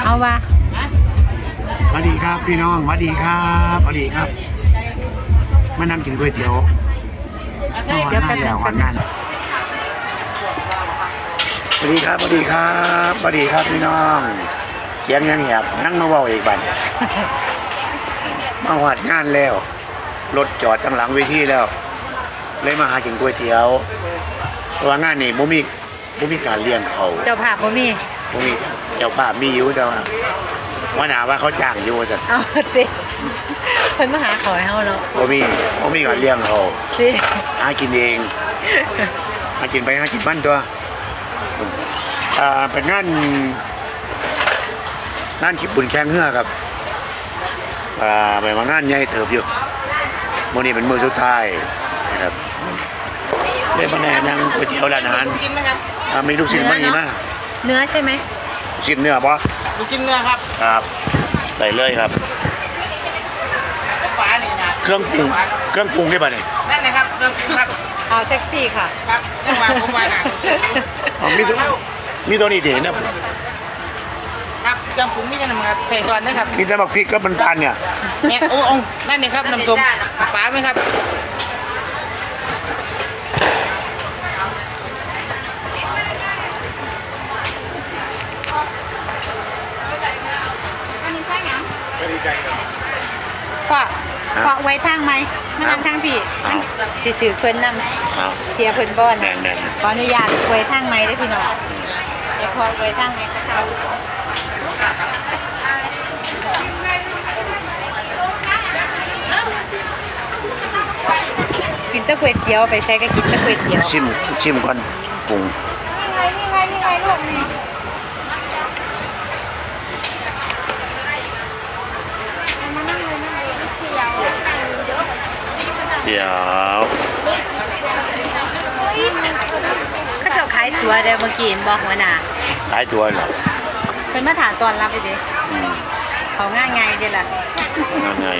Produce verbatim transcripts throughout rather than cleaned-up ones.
เอาว่าสวัสดีครับพี่น้องสวัสดีครับสวัสดีครับมานั่งกินก๋วยเตี๋ยวมาหวานงานแล้วหวานงานสวัสดีครับสวัสดีครับสวัสดีครับพี่น้องเสียงยังแหบนั่งมาเว้าอีกบัดมาหวานงานแล้วรถจอดข้างหลังเวทีแล้วเลยมาหากินก๋วยเตี๋ยวเพราะว่างานนี้บ่มีบ่มีการเลี้ยงเขาเจ้าภาพบ่มีบ่มีเจ้าภาพมีอยู่แต่ว่าว่าหนาว่าเขาจ้างอยู่สั่นเอาสิเพิ่นมาหาขอให้เฮาเนาะบ่มีบ่มีการเลี้ยงเขาสิหากินเองหากินไปหากินมันตัวอ่าเป็นงานงานคิดบุญแข่งเรือครับอ่าไปมางานใหญ่เติบอยู่มื้อนี้เป็นมื้อสุดท้ายนะครับเลยมาแนะนำก๋วยเตี๋ยวร้านอาหารอ่ามีลูกชิ้นมาอีกมั้ยเนื้อใช่ไหมลูกชิ้นเนื้อบ่ลูกชิ้นเนื้อครับครับใส่เลยครับปลานี่นะเครื่องปรุงเครื่องปรุงได้ป่ะนี่นั่นนะครับเครื่องปรุงครับเอาแท็กซี่ค่ะครับยังว่าผมว่านะอ๋อมีตัวมีตัวนี้ดินะครับเครื่องปรุงมีแต่น้ำครับใส่ก่อนนะครับมีแต่บักพริกกับน้ำตาลเนี่ยเนี่ยโอ้องนั่นนี่ครับน้ำส้มปลาไหมครับฝากฝากไว้ทางไหมมานั่งทางพี่จะถือเพิ่นนำเทียเพิ่นบ้อนขออนุญาตไว้ทางไหมได้พี่น้องเดี๋ยวพอไว้ทางไหมก็เขากินตะก๋วยเตี๋ยวไปใส่ก็กินตะก๋วยเตี๋ยวชิมชิมก่อนปรุงนี่ไงนี่ไงนี่ไงลูกนี่เดี๋ยวเขาเจ้าขายตัวเดี๋ยวเมื่อกี้บอกหัวหน้าขายตัวเหรอเป็นมาถามตอนรับไปดิเขาง่ายไงเดี๋ยวล่ะง่ายไง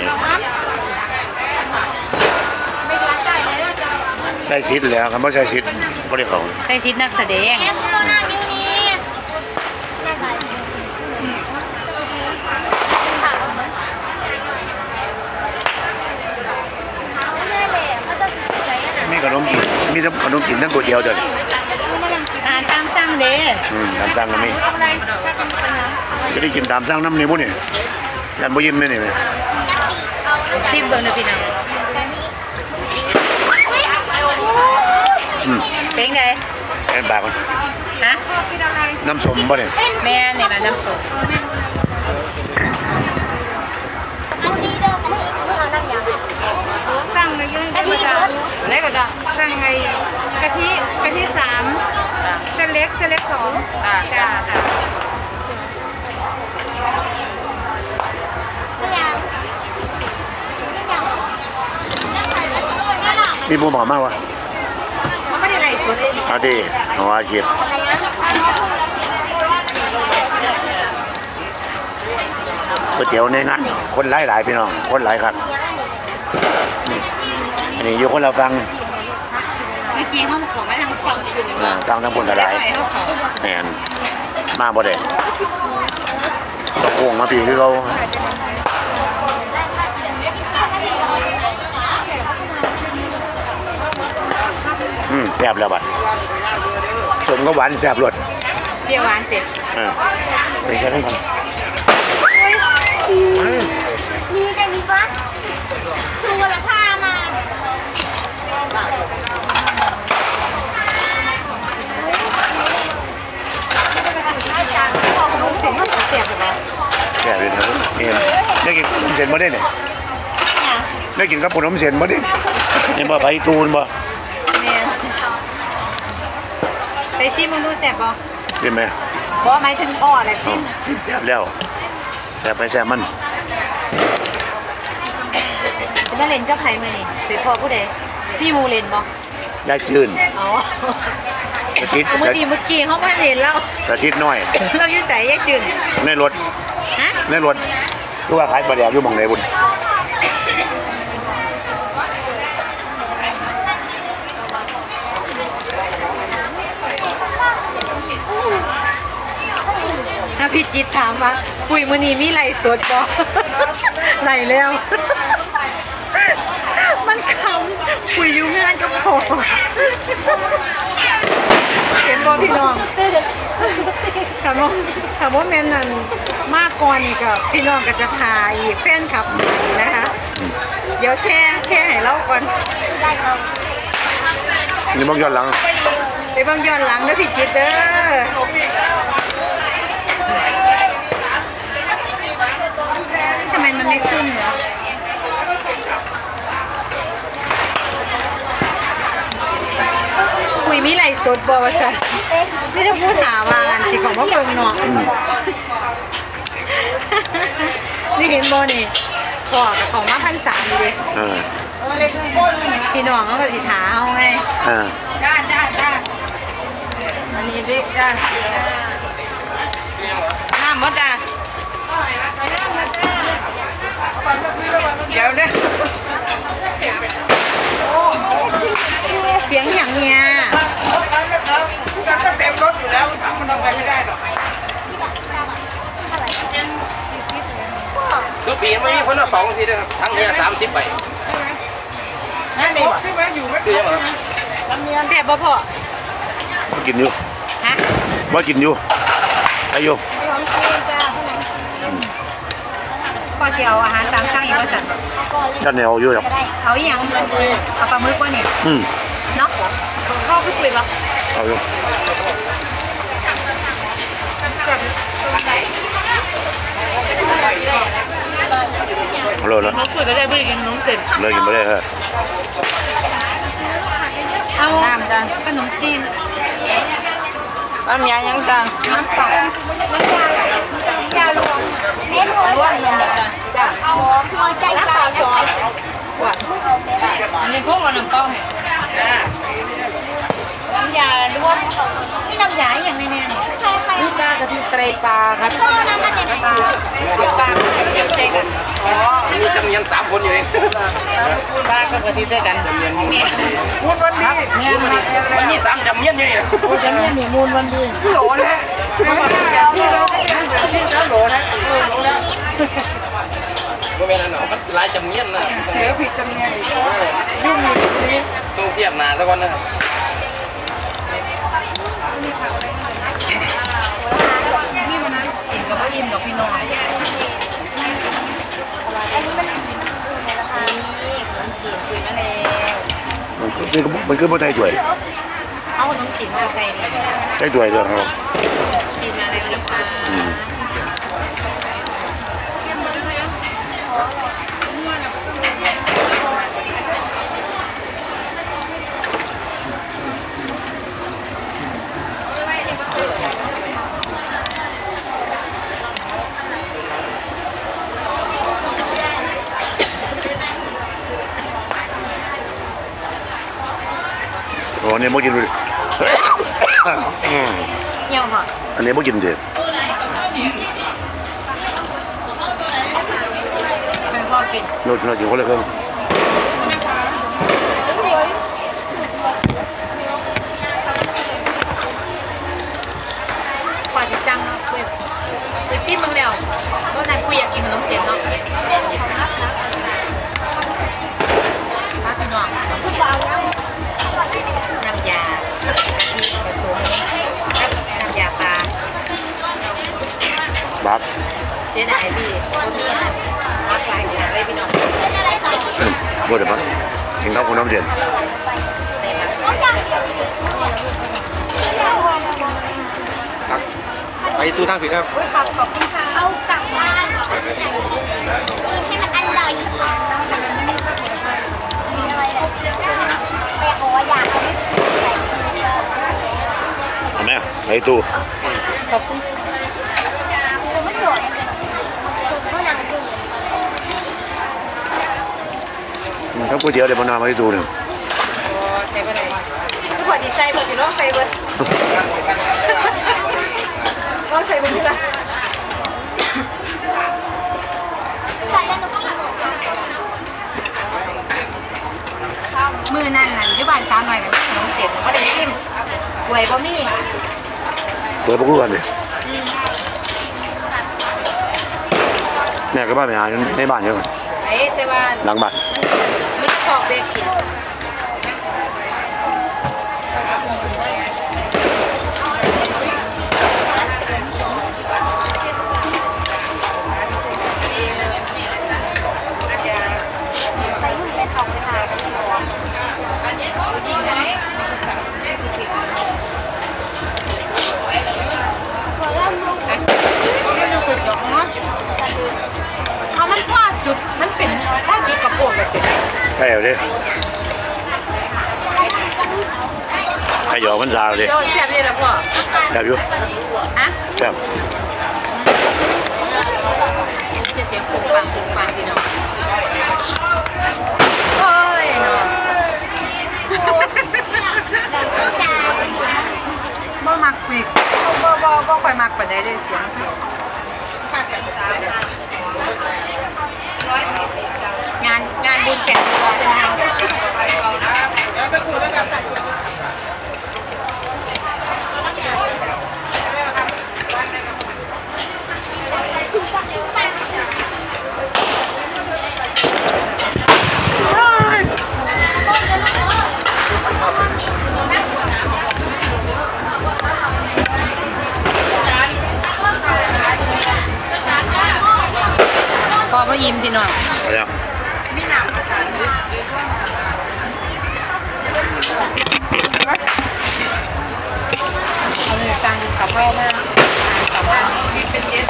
ใส่ซิดแล้วคำว่าใส่ซิดไม่ได้ของใส่ซิดนักแสดงมีขนมกินมีทั้งขนมกินทั้งก๋วยเตี๋ยวเดี๋ยวอาหารตามสั่งเด้อืมตามสั่งก็มีจะได้กินตามสั่งน้ำนี่พวกนี่ยันบ่ยิ้มไหมนี่ไหมซิมเบิ่งนะพี่น้องเป็นไงเป็นบาปมันฮะน้ำส้มบ่เนี่ยแม่นี่แหละน้ำส้มสั่งเลยยังกะทิอะไรก็ได้สั่งไงกะทิกะทิสามเส้นเล็กเส้นเล็กสองจ้ามีบูมหอมมากวะไม่ได้ไรสุดเอาดิเอาอาชีพก๋วยเตี๋ยวในงานคนหลายหลายพี่น้องคนหลายครับอันนี้อยู่คนเราฟังเมื่อกี้ห้องของมาทางฝั่งฟังทั้งคนกระไรแมนมาบ่ได้ตะโกงมาปีคือเขาอืมแซ่บแล้วบัดสมก็หวานแซ่บรสเปรี้ยวหวานเสร็จอ่าเป็นแค่นั้นก่อนนี่จะมีปะชูวละผ้ามาเสียงเขาเสียบหรือเปล่าแซ่บเลยนะเอ็มได้กินขนมเส้นมาได้เนี่ยได้กินกับขนมเส้นมาได้เนี่ยบ่ไปตูนบ่ไปซิมมึงดูแซ่บบ่เห็นไหมบ่หมายถึงอ้อแหละซิมซิมแซ่บแล้วแซ่บไปแซ่บมันมาเล่นกับใครมานี่สิพ่อผู้ใดพี่มูเล่นบ่ได้จืนอ๋อกระทิดเมื่อกี้เมื่อกี้เขามาเล่นแล้วกระทิดน้อยเราอยู่ใส่แยกจืนในรถฮะในรถรู้ว่าขายปลาแดกอยู่หม่องไหนบุญถ้าพี่จิตถามว่าปุ้ยมื้อนี้มีไลฟ์สดบ่ ไลฟ์แล้ว มันคำปุ้ยอยู่งานกับพ่อเห็นบ่พี่น้องถามว่าถามว่าแม่นนั่นมากก่อนนี่ก็พี่น้องก็จะถ่ายแฟนคลับนะคะ เดี๋ยวแชร์แชร์ให้เราก่อนนี่มองย้อนหลังไปเบิ่งย้อนหลังเด้อพี่จิตเด้อทำไมมันไม่ขึ้นเหรอคุยมีไรสดบอสะไม่ได้พูดถามว่าอันสิของพ่อเบิ่งเนาะนี่เห็นบอนี่ขอกับของมาพันสามเลยเออพี่น้องเขาก็สิถาเอาไงอ่าจ้าจ้าจ้าอันนี้เด็กจ้าน้ำมดจ้าเดี๋ยวเด้อเสียงอย่างเนี้ยก็เต็มรถอยู่แล้วถามมันทำไปไม่ได้หรอกสุปีไม่มีคนละสองทีนะครับทั้งเนี้ยสามสิบใบนั่นเองใช่ไหมอยู่ไม่ซื้อยังเหรอเสียบบ่พอว่ากินอยู่ฮะว่ากินอยู่อายุพอจะเอาอาหารตามสั่งอีกว่าสั่นท่านแนวอยู่หรอกเอาอีหยังเอาปลาหมึกว่านี่อืมเนาะพ่อคือปุ๋ยบ่เอาอยู่เอาเลยนะเขาปุ๋ยก็ได้ไม่ได้กินนมเสร็จเลิกกินไม่ได้ฮะเอาน้ำจ้ะขนมจีนน้ำยายังจ้าน้ำเปล่าน้ำยาน้ำยารวมเน้นหัวรวมเลยจ้ะเอาหัวใจปลาจอยอันนี้พวกมันน้ำเปล่าเนี่ยน้ำยารวมนี่น้ำยาอย่างแน่ๆนี่ใครใครนี่ปลากะทิไตรปลาครับพ่อน้ำมาจากไหนปลาปลาเดี๋ยวเซ็กันอ๋อมีจำเนียนสามคนอยู่เองปลากับกะทิด้วยกันจำเนียนมูลมูลวันดีมันมีสามจำเนียนอยู่นี่จำเนียนมีมูลวันดีโหลนะโหลนะโมเมนต์นั้นมันหลายจำเนียนนะเดี๋ยวผิดจำเนียนยุ่งอยู่ต้องเทียบนานสักวันนะกินกับพ่ออิ่มดอกพี่น้องอันนี้มันในราคานี้ขนมจีนคุยมาแล้วมันคือมันคือบ่ไทยด้วยเอาขนมจีนมาใส่นี่ไทยด้วยเรื่องเขาจีนมาแล้วนะคะอืม โอ้อันนี้บ่กินเลยอืมเหี่ยวเหรออันนี้บ่กินเด็ดเป็นพ่อกินโน้ตโน้ตอยู่คนละเครื่องกว่าสิสั่งเนาะคุยคุยซิมึงแล้วตอนนั้นคุยอยากกินขนมเสียนเนาะมาพี่น้องขนมเสียนน้ำยาที่ผสมกับน้ำยาปลาบักเสียดายพี่คนนี้นะรักหลายอย่างเลยพี่น้องเป็นอะไรต่ออืมบ่ได้ปะกินข้าวกับน้ำเดือดใส่ผักเอาอย่างเดียวไปตู้ทางผิดครับอุ้ยขอบขอบคุณค่ะเอากลับบ้านกินให้มันอร่อยมีอะไรเนี่ยแต่บอกว่าอยากเอาใส่เอาไหมไอ้ตู้ขอบคุณคือไม่สวยเพราะหนังคืออืมถ้าก๋วยเตี๋ยวเดี๋ยวมานอนมาไอ้ตู้หนึ่งโอ้ใส่ไปไหนทุกคนสิใส่พอสิลองใส่เบอร์ลองใส่เบอร์นี่ละใส่แล้วหนูกินมือนั่นนั่นอยุบานสาวหน่อยกันขนมเสียนก็ได้ซิมหวยบ่มีเปิดประตูกันดิแม่ก็บ้านไปหาในบ้านเยอะไอ้แต่ว่าหลังบ้านมีขอบเบรกกินไปหุ่นไปทองไปหากันที่หัวเอามันพลาดจุดมันเป็นพลาดจุดกระโปรงแบบนี้ใช่เอาดิให้หยอกมันซาวดิโดนแซ่บนี่แหละพ่อแบบอยู่ฮะแบบจะเสียงปุงปังปุงปังพี่น้องโอ้ยเนาะบ่มักปีกบ่บ่บ่ค่อยมักปานใดได้เสียงเสียงงานงานบุญแก่งคอยเป็นงานพอพ่อยิ้มพี่น้องเอาแล้วมีหนังกันนึกเอาเลยสั่งกับพ่อมากับพ่อมีเป็นเย็น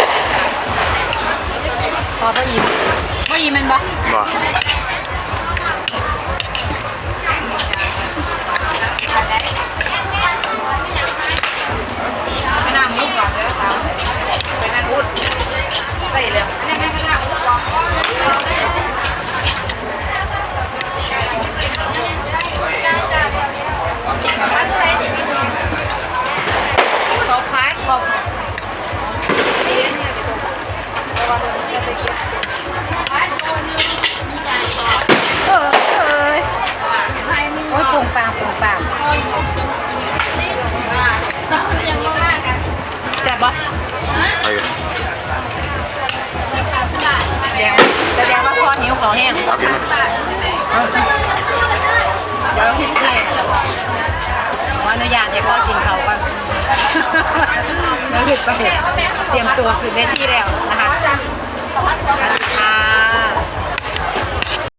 พอพ่อยิ้มพ่อยิ้มมันบ่บ่ไปนั่งมุกก่อนเด้อครับไปนั่งมุกไปเลยนี่แม่ก็นั่งมุกก่อนเขาคล้ายเขาเออเอ้ยโอ้ยปุ่งปางปุ่งปางแซ่บปะเอาอยู่แดงแสดงว่าพ่อหิวขอแห้งเอากินมาเอาสิเดี๋ยวพี่เทขออนุญาตให้พ่อกินเขาก่อนแล้วหยุดไปเตรียมตัวคือเวทีแล้วนะคะ